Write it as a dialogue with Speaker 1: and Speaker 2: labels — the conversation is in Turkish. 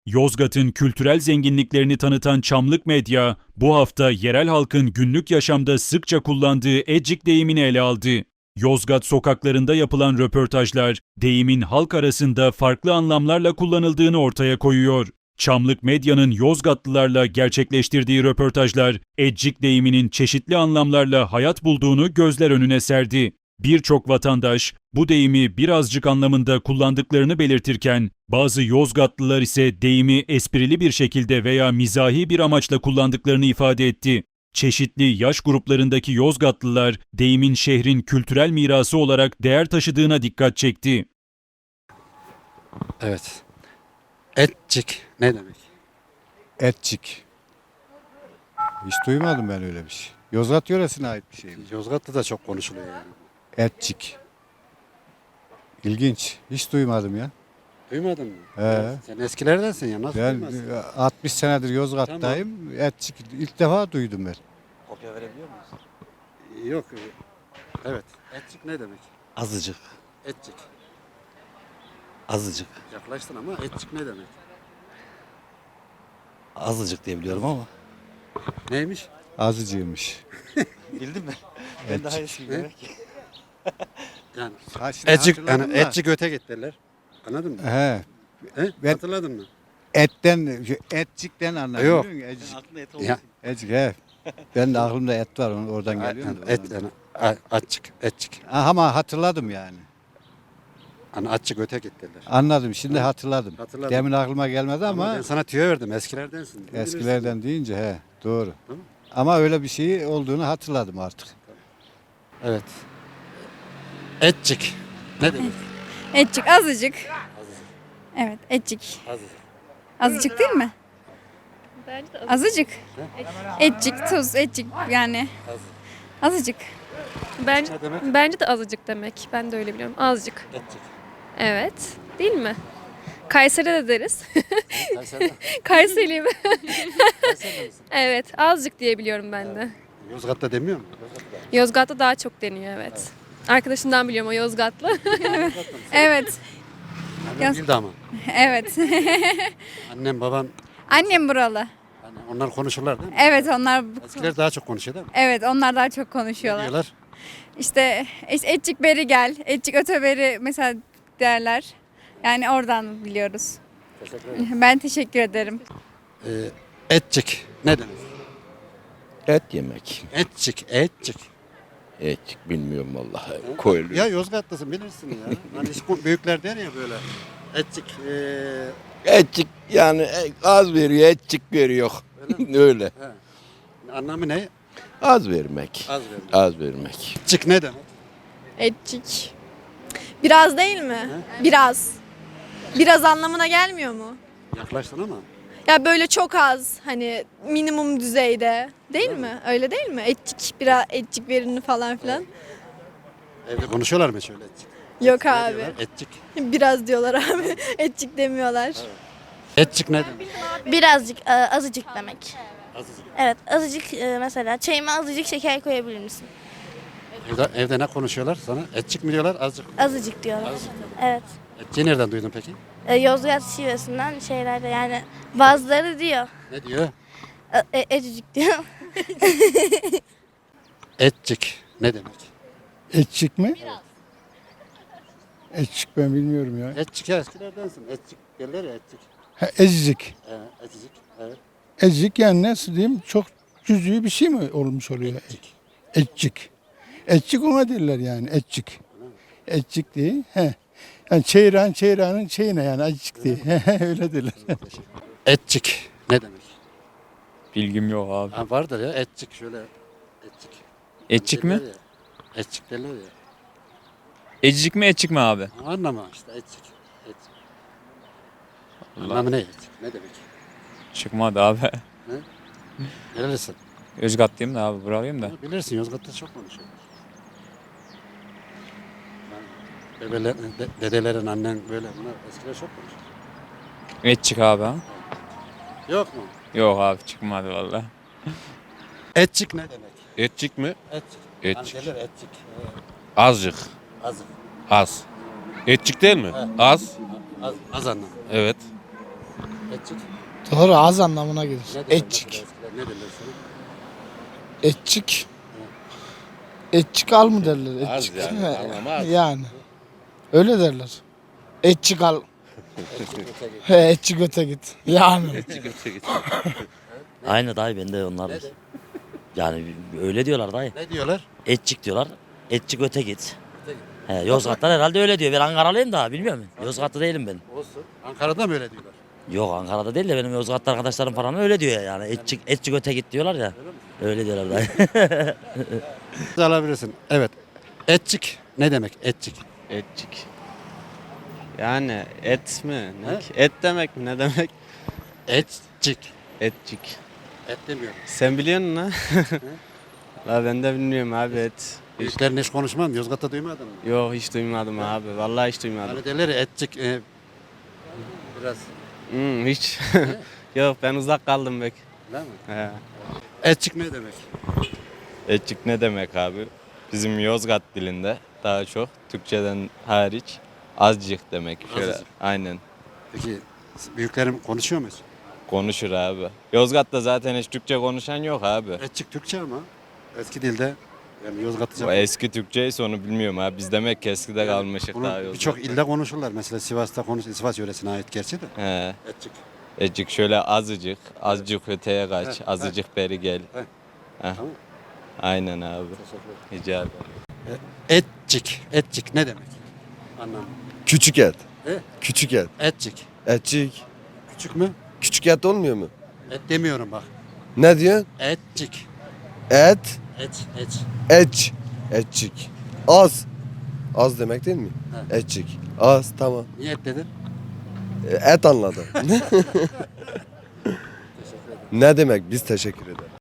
Speaker 1: Yozgat'ın kültürel zenginliklerini tanıtan Çamlık Medya, bu hafta yerel halkın günlük yaşamda sıkça kullandığı ecik deyimini ele aldı. Yozgat sokaklarında yapılan röportajlar, deyimin halk arasında farklı anlamlarla kullanıldığını ortaya koyuyor. Çamlık Medya'nın Yozgatlılarla gerçekleştirdiği röportajlar, ecik deyiminin çeşitli anlamlarla hayat bulduğunu gözler önüne serdi. Birçok vatandaş bu deyimi birazcık anlamında kullandıklarını belirtirken, bazı Yozgatlılar ise deyimi esprili bir şekilde veya mizahi bir amaçla kullandıklarını ifade etti. Çeşitli yaş gruplarındaki Yozgatlılar, deyimin şehrin kültürel mirası olarak değer taşıdığına dikkat çekti.
Speaker 2: Evet. Etçik ne demek?
Speaker 3: Etçik. Hiç duymadım ben öyle bir şey. Yozgat yöresine ait bir şey mi?
Speaker 2: Yozgat'ta da çok konuşuluyor yani.
Speaker 3: Etçik. İlginç. Hiç duymadım ya.
Speaker 2: Duymadın mı?
Speaker 3: He.
Speaker 2: Sen eskilerdensin ya nasıl
Speaker 3: Ben
Speaker 2: duymazsın?
Speaker 3: 60 senedir Yozgat'tayım. Etçik ilk defa duydum ben.
Speaker 2: Kopya verebiliyor musun? Yok. Evet. Etçik ne demek?
Speaker 4: Azıcık,
Speaker 2: Etçik.
Speaker 4: azıcık,
Speaker 2: Yaklaştın ama etçik ne demek?
Speaker 4: azıcık diye biliyorum ama.
Speaker 2: Neymiş?
Speaker 3: Azıcıymış.
Speaker 4: Bildin mi? Ben daha eski demek.
Speaker 2: Yani
Speaker 3: Ha, şimdi
Speaker 2: etçik,
Speaker 3: hatırladım
Speaker 2: yani
Speaker 3: da.
Speaker 2: etçik öte git derler. Anladın mı?
Speaker 3: He.
Speaker 2: He?
Speaker 3: Ben-
Speaker 2: Hatırladın mı?
Speaker 3: Etçikten anladım.
Speaker 2: Yok.
Speaker 3: biliyor musun? Ecik.
Speaker 4: Aklında et
Speaker 2: Ya,
Speaker 3: Ecik he. Ben de aklımda et var oradan geliyor.
Speaker 2: yani
Speaker 3: da
Speaker 2: et
Speaker 3: ondan.
Speaker 2: yani açık, etçik.
Speaker 3: Ha, ama hatırladım yani.
Speaker 2: Hani açık öte git derler.
Speaker 3: Anladım şimdi hatırladım.
Speaker 2: Hatırladım.
Speaker 3: Demin aklıma gelmedi ama
Speaker 2: Ben sana tüyo verdim eskilerdensin. Bilirsin.
Speaker 3: eskilerden deyince he doğru.
Speaker 2: Tamam.
Speaker 3: Ama öyle bir şey olduğunu hatırladım artık.
Speaker 2: Evet. Etçik. Ne demek?
Speaker 5: Etçik azıcık. Evet etçik.
Speaker 2: Azıcık.
Speaker 5: Azıcık değil mi?
Speaker 6: Bence de
Speaker 5: Azıcık. Etçik, tuz, etçik yani. Azıcık.
Speaker 6: bence,
Speaker 2: Ne demek?
Speaker 6: bence de azıcık demek. Ben de öyle biliyorum. Azıcık.
Speaker 2: Etçik.
Speaker 6: Evet. Değil mi? Kayseri'de de deriz.
Speaker 2: Kayseri'de.
Speaker 6: Kayserili mi?
Speaker 2: Kayseri'de misin?
Speaker 6: Evet. Azıcık diye biliyorum ben de.
Speaker 2: Yozgat'ta demiyor mu?
Speaker 6: Yozgat'ta daha çok deniyor evet. Arkadaşımdan biliyorum o Yozgatlı.
Speaker 5: Evet.
Speaker 2: Annem bildi ama.
Speaker 5: Evet.
Speaker 2: Annem, baban,
Speaker 5: Annem buralı.
Speaker 2: hani onlar konuşurlar değil mi?
Speaker 5: Evet onlar
Speaker 2: Eskiler daha çok konuşuyor değil mi?
Speaker 5: evet onlar daha çok
Speaker 2: Ne
Speaker 5: konuşuyorlar.
Speaker 2: diyorlar?
Speaker 5: İşte etçik beri gel, etçik öte beri mesela derler. Yani oradan biliyoruz.
Speaker 2: Teşekkür ederim.
Speaker 5: Ben teşekkür ederim.
Speaker 2: Etçik. Ne demek?
Speaker 4: Et yemek.
Speaker 2: Etçik, etçik.
Speaker 4: Et bilmiyorum vallahi. Koyuluyor.
Speaker 2: Ya Yozgat'tasın bilirsin ya. Hani büyükler der ya böyle. Etçik.
Speaker 4: Etçik yani az veriyor, etçik veriyor. Öyle.
Speaker 2: Anlamı ne?
Speaker 4: Az vermek.
Speaker 2: Az vermek.
Speaker 4: Az vermek.
Speaker 2: Etçik ne demek?
Speaker 7: Etçik. Biraz değil mi? Biraz. Biraz anlamına gelmiyor mu?
Speaker 2: Yaklaştın ama.
Speaker 7: Ya böyle çok az hani minimum düzeyde değil mi? Öyle değil mi? Etçik biraz etçik verini falan filan.
Speaker 2: Evde konuşuyorlar mı şöyle etçik?
Speaker 7: Yok
Speaker 2: Ne
Speaker 7: abi.
Speaker 2: diyorlar? Etçik.
Speaker 7: Biraz diyorlar abi. Etçik demiyorlar.
Speaker 2: Etçik ne demek?
Speaker 8: Birazcık, azıcık demek.
Speaker 2: Azıcık.
Speaker 8: Evet, azıcık mesela çayıma azıcık şeker koyabilir misin?
Speaker 2: Evde ne konuşuyorlar sana? Etçik mi diyorlar? Azıcık mı?
Speaker 8: Azıcık diyorlar. Evet.
Speaker 2: Etçiği nereden duydun peki?
Speaker 8: Yozgat şivesinden şeylerde yani bazıları diyor.
Speaker 2: Ne diyor?
Speaker 8: Ecicik diyor.
Speaker 2: Etçik ne demek?
Speaker 9: Etçik mi? Etçik ben bilmiyorum ya.
Speaker 2: Etçik ya eskilerdensin. Etçik derler ya etçik.
Speaker 9: Ha, ezicik.
Speaker 2: Etçik. Evet.
Speaker 9: Ezicik yani nasıl diyeyim çok cüz'i bir şey mi olmuş oluyor?
Speaker 2: Etçik.
Speaker 9: Etçik. Etçik ona derler yani etçik. Etçik değil. He. Yani çeyrağının şeyine yani acıcık diye. Öyle derler.
Speaker 2: Etçik ne demek?
Speaker 10: Bilgim yok abi.
Speaker 2: Ha, vardır ya etçik şöyle etçik.
Speaker 10: Etçik mi?
Speaker 2: Derler ya. Etçik derler ya.
Speaker 10: Ecik mi etçik mi abi?
Speaker 2: Anlama işte etçik. Etçik. Anlamı ne etçik? Ne demek?
Speaker 10: Çıkmadı abi.
Speaker 2: Nerelisin?
Speaker 10: Yozgatlıyım da abi buralıyım da.
Speaker 2: Bilirsin Yozgat'ta çok konuşuyorlar. Dedelerin, annen böyle bunlar eskiler çok konuşuyor.
Speaker 10: Etçik abi ha?
Speaker 2: Yok mu?
Speaker 10: Yok abi çıkmadı valla.
Speaker 2: Etçik ne demek?
Speaker 11: Etçik mi?
Speaker 2: Etçik.
Speaker 11: Etçik.
Speaker 2: Hani derler etçik.
Speaker 11: Azıcık.
Speaker 2: Az.
Speaker 11: Az. Etçik değil mi?
Speaker 2: Evet.
Speaker 11: Az.
Speaker 2: Az anlamı.
Speaker 11: Evet.
Speaker 2: Etçik.
Speaker 9: Doğru az anlamına gelir.
Speaker 2: Ne derler
Speaker 9: Etçik.
Speaker 2: mesela eskiler? Ne derler sana?
Speaker 9: Etçik. Etçik al mı derler?
Speaker 11: Az
Speaker 9: Etçik.
Speaker 11: yani, anlamı az.
Speaker 9: Yani. Öyle derler. Etçik al.
Speaker 2: Etçik öte git.
Speaker 9: He, etçik öte git. Yani.
Speaker 12: Aynı dayı ben de onlar.
Speaker 2: Ne de-
Speaker 12: Yani öyle diyorlar dayı.
Speaker 2: Ne diyorlar?
Speaker 12: Etçik diyorlar. Etçik öte git.
Speaker 2: Öte git.
Speaker 12: He, Yozgatlar herhalde öyle diyor. Ben Ankaralıyım da bilmiyorum. Yozgatlı değilim ben.
Speaker 2: Olsun. Ankara'da mı öyle diyorlar?
Speaker 12: Yok Ankara'da değil de benim Yozgatlı arkadaşlarım falan öyle diyor yani. Etçik öte git diyorlar ya. Öyle diyorlar dayı.
Speaker 2: Alabilirsin. Evet. Etçik. Ne demek etçik?
Speaker 10: Etçik. Yani et mi?
Speaker 2: Ne?
Speaker 10: Et demek mi? Ne demek?
Speaker 2: Etçik.
Speaker 10: Etçik.
Speaker 2: Et demiyorum.
Speaker 10: Sen biliyor musun ha? La ben de bilmiyorum abi et.
Speaker 2: Büyüklerin hiç konuşmam. Yozgat'ta duymadın mı?
Speaker 10: Yok hiç duymadım abi. Vallahi hiç duymadım.
Speaker 2: Hani derler ya etçik. Biraz.
Speaker 10: Hiç. Yok ben uzak kaldım bek.
Speaker 2: Değil mi?
Speaker 10: He.
Speaker 2: Etçik ne demek?
Speaker 10: Etçik ne demek abi? Bizim Yozgat dilinde daha çok Türkçeden hariç azıcık demek. Şöyle
Speaker 2: Azıcık.
Speaker 10: aynen
Speaker 2: Peki büyüklerim konuşuyor muyuz?
Speaker 10: konuşur abi. Yozgat'ta zaten hiç Türkçe konuşan yok abi.
Speaker 2: Etçik Türkçe ama eski dilde yani Yozgatlıca.
Speaker 10: O eski Türkçe ise onu bilmiyorum abi. Biz demek ki eskide kalmışık
Speaker 2: Bunu
Speaker 10: daha Yozgat'ta.
Speaker 2: birçok ilde konuşurlar. Mesela Sivas'ta Sivas yöresine ait gerçi de.
Speaker 10: He.
Speaker 2: Etçik.
Speaker 10: Etçik şöyle azıcık öteye kaç,
Speaker 2: He,
Speaker 10: azıcık beri gel.
Speaker 2: He.
Speaker 10: Heh.
Speaker 2: Tamam.
Speaker 10: Aynen abi. Rica ederim.
Speaker 2: Etçik. Etçik ne demek? Anlam.
Speaker 4: Küçük et.
Speaker 2: He?
Speaker 4: Küçük et.
Speaker 2: Etçik.
Speaker 4: Etçik.
Speaker 2: Küçük mü?
Speaker 4: Küçük et olmuyor mu?
Speaker 2: Et demiyorum bak.
Speaker 4: Ne diyor?
Speaker 2: Etçik.
Speaker 4: Et.
Speaker 2: Et.
Speaker 4: Etç. Etçik. Az. Az demek değil mi?
Speaker 2: He.
Speaker 4: Etçik. Az tamam.
Speaker 2: Niye et dedin?
Speaker 4: Et anladım. Ne demek? Biz teşekkür ederiz.